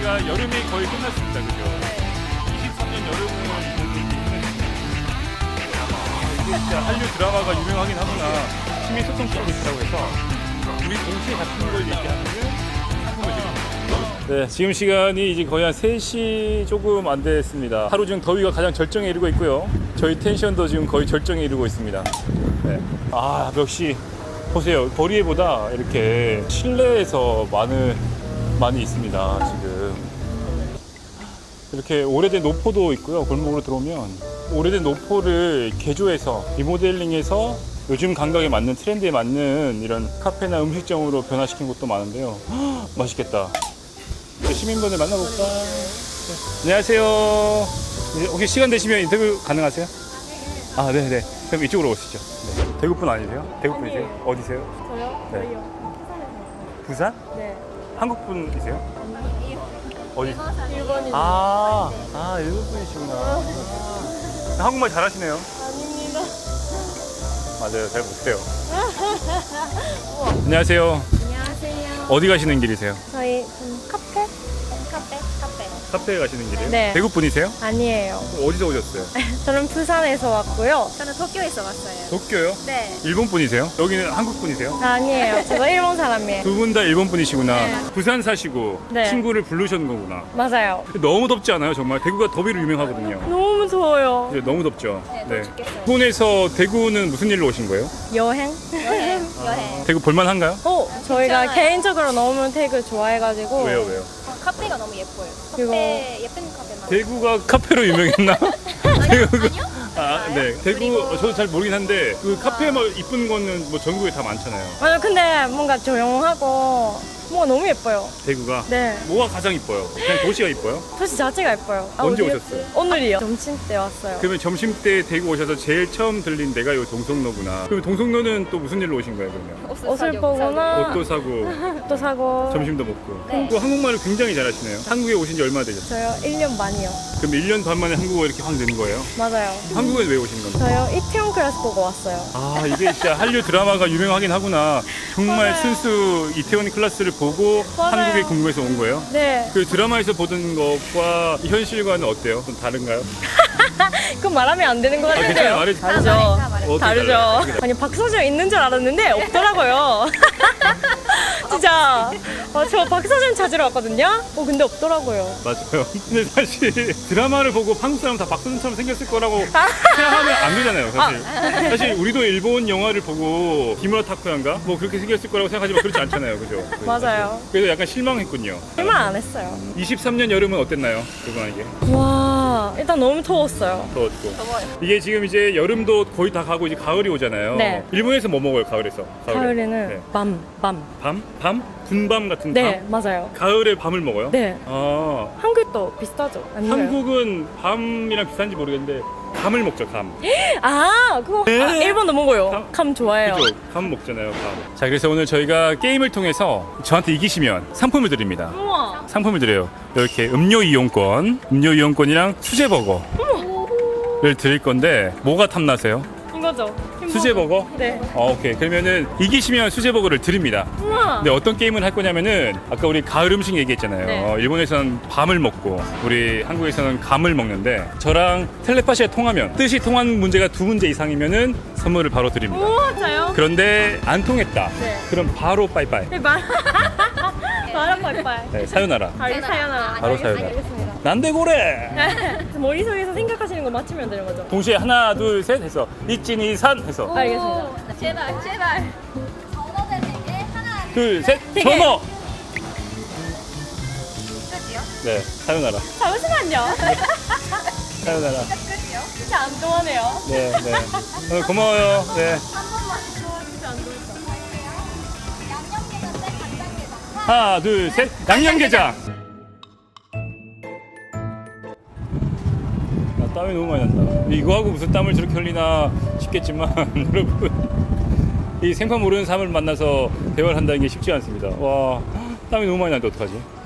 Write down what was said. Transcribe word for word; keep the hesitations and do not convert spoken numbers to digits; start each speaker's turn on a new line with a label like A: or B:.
A: 우리가 여름이 거의 끝났습니다. 그죠? 이십삼 년 여름을 이게 진짜 한류 드라마가 유명하긴 하구나. 심의 소통법이 있다고 해서 우리 동시에 같은 걸 얘기하면 상품을 드립니다. 네, 지금 시간이 이제 거의 한 세 시 조금 안 됐습니다. 하루 중 더위가 가장 절정에 이르고 있고요. 저희 텐션도 지금 거의 절정에 이르고 있습니다. 네. 아, 역시 보세요. 거리에보다 이렇게 실내에서 많은 많이 있습니다. 지금 이렇게 오래된 노포도 있고요. 골목으로 들어오면 오래된 노포를 개조해서 리모델링해서 요즘 감각에 맞는 트렌드에 맞는 이런 카페나 음식점으로 변화시킨 곳도 많은데요. 헉, 맛있겠다. 시민분들 만나볼까? 네. 안녕하세요. 혹시 시간 되시면 인터뷰 가능하세요? 아, 네네. 그럼 이쪽으로 오시죠. 네. 대구분 아니세요? 대구분이세요?
B: 아니에요.
A: 어디세요?
B: 저요?
A: 네.
B: 저희요.
A: 부산?
B: 네.
A: 한국분이세요? 어디?
B: 일본인.
A: 아, 아, 일본분이시구나. 아, 한국말 잘하시네요.
B: 아닙니다.
A: 맞아요, 잘 못해요. 안녕하세요.
B: 안녕하세요.
A: 어디 가시는 길이세요?
B: 저희 좀 카페? 카페? 카페.
A: 카페에 가시는 길이에요?
B: 네.
A: 대구분이세요?
B: 아니에요.
A: 어디서 오셨어요?
B: 저는 부산에서 왔고요. 저는 도쿄에서 왔어요.
A: 도쿄요?
B: 네.
A: 일본분이세요? 여기는 한국분이세요?
B: 아니에요. 저도 일본 사람이에요.
A: 두 분 다 일본분이시구나.
B: 네.
A: 부산 사시고
B: 네.
A: 친구를 부르셨는 거구나.
B: 맞아요.
A: 너무 덥지 않아요? 정말 대구가 더위로 유명하거든요.
B: 너무 더워요.
A: 이제 너무 덥죠?
B: 네, 너무 죽겠어요.
A: 일본에서 대구는 무슨 일로 오신 거예요?
B: 여행?
C: 여행, 여행.
A: 대구 볼만한가요?
B: 어, 저희가
C: 괜찮아요.
B: 개인적으로 너무 되게 좋아해가지고.
A: 왜요, 왜요?
C: 어, 카페가 너무 예뻐요.
B: 그리고-
C: 카페, 예쁜 카페만.
A: 대구가 카페로 유명했나?
C: 아니요?
A: 대구가-
C: 아니요?
A: 아, 네. 대구,
C: 그리고-
A: 저도 잘 모르긴 한데, 그 카페 막 이쁜 거는 뭐 전국에 다 많잖아요.
B: 맞아, 근데 뭔가 조용하고 뭔가 너무 예뻐요.
A: 대구가.
B: 네.
A: 뭐가 가장 이뻐요? 그냥 도시가 이뻐요?
B: 도시 자체가 예뻐요. 아,
A: 언제
B: 어디였지?
A: 오셨어요?
B: 오늘이요. 점심 때 왔어요.
A: 그러면 점심 때 대구 오셔서 제일 처음 들린 데가 요 동성로구나. 그럼 동성로는 또 무슨 일로 오신 거예요, 그러면?
B: 옷을 보거나
A: 옷도 사고,
B: 또 사고.
A: 점심도 먹고.
C: 네.
A: 또 한국말을 굉장히 잘하시네요. 한국에 오신 지 얼마나 되셨어요?
B: 저요 일 년 반이요.
A: 그럼 일 년 반 만에 한국어 이렇게 확 는 거예요?
B: 맞아요.
A: 한국에 왜 오신 건가요?
B: 저요 이태원 클래스 보고 왔어요.
A: 아, 이게 진짜 한류 드라마가 유명하긴 하구나. 정말
B: 맞아요.
A: 순수 이태원 클래스를 보고
B: 맞아요.
A: 한국에 궁금해서 온 거예요?
B: 네.
A: 그 드라마에서 보던 것과 현실과는 어때요? 좀 다른가요?
B: 그건 말하면 안 되는 것
A: 아,
B: 같은데요.
A: 괜찮아요. 말해
B: 다르죠.
C: 다 말해.
A: 어떻게
B: 다르죠.
A: 달라요? 어떻게 달라요?
B: 아니 박서준 있는 줄 알았는데 없더라고요. 진짜 어, 저 박서준 찾으러 왔거든요. 어 근데 없더라고요.
A: 맞아요. 근데 사실 드라마를 보고 한국 사람 다 박선준처럼 생겼을 거라고 생각하면 안 되잖아요. 사실. 사실 우리도 일본 영화를 보고 기무라 타쿠야인가 뭐 그렇게 생겼을 거라고 생각하지만 그렇지 않잖아요. 그죠?
B: 맞아요.
A: 그래서 약간 실망했군요.
B: 실망 안 했어요.
A: 이십삼 년 여름은 어땠나요? 그분에게
B: 와 일단 너무 더웠어요.
A: 더웠고.
C: 더워요.
A: 이게 지금 이제 여름도 거의 다 가고 이제 가을이 오잖아요.
B: 네.
A: 일본에서 뭐 먹어요? 가을에서? 가을에.
B: 가을에는
A: 네.
B: 밤, 밤.
A: 밤? 밤? 군밤 같은
B: 네
A: 밤?
B: 맞아요.
A: 가을에 밤을 먹어요?
B: 네.
A: 아,
B: 한국도 비슷하죠? 아니요.
A: 한국은 밤이랑 비슷한지 모르겠는데 감을 먹죠, 감.
B: 아 그거
A: 네.
B: 아, 일본도 먹어요.
A: 감-
B: 감 좋아해요.
A: 그죠? 감 먹잖아요, 감. 자, 그래서 오늘 저희가 게임을 통해서 저한테 이기시면 상품을 드립니다.
B: 우와.
A: 상품을 드려요. 이렇게 음료 이용권, 음료 이용권이랑 수제버거를 드릴 건데 뭐가 탐나세요?
B: 이거죠.
A: 수제버거?
B: 네.
A: 어, 오케이. 그러면은 이기시면 수제버거를 드립니다.
B: 우와.
A: 근데 어떤 게임을 할 거냐면은 아까 우리 가을 음식 얘기했잖아요.
B: 네.
A: 어, 일본에서는 밤을 먹고 우리 한국에서는 감을 먹는데 저랑 텔레파시가 통하면 뜻이 통한 문제가 두 문제 이상이면은 선물을 바로 드립니다.
B: 우와 저요?
A: 그런데 안 통했다.
B: 네.
A: 그럼 바로 빠이빠이.
B: 네, 말. 말은 빨빨.
A: 네, 사요나라.
B: 바로 사연아.
A: 바로 사요나라.
B: 알겠습니다.
A: 난데고래.
B: 머릿속에서 생각하시는 거 맞추면 되는 거죠?
A: 동시에 하나 둘 셋 해서 이찌니산 해서
B: 알겠습니다.
C: 제발, 제발. 전어대 네 개, 하나,
A: 둘 셋
B: 세 개.
A: 전어.
C: 끝이요?
A: 네, 사요나라.
B: 잠시만요.
A: 사요나라.
C: 끝이요?
B: 진짜 안 통하네요.
A: 네, 네. 오늘 고마워요. 네.
C: 한 번만.
B: 진짜 안 통했어.
C: 양념게장 대 간장게장.
A: 하나 둘 셋 양념게장. 아, 땀이 너무 많이 난다. 이거 하고 무슨 땀을 저렇게 흘리나 싶겠지만 여러분 이 생판 모르는 사람을 만나서 대화를 한다는 게 쉽지 않습니다. 와, 땀이 너무 많이 나는데 어떡하지?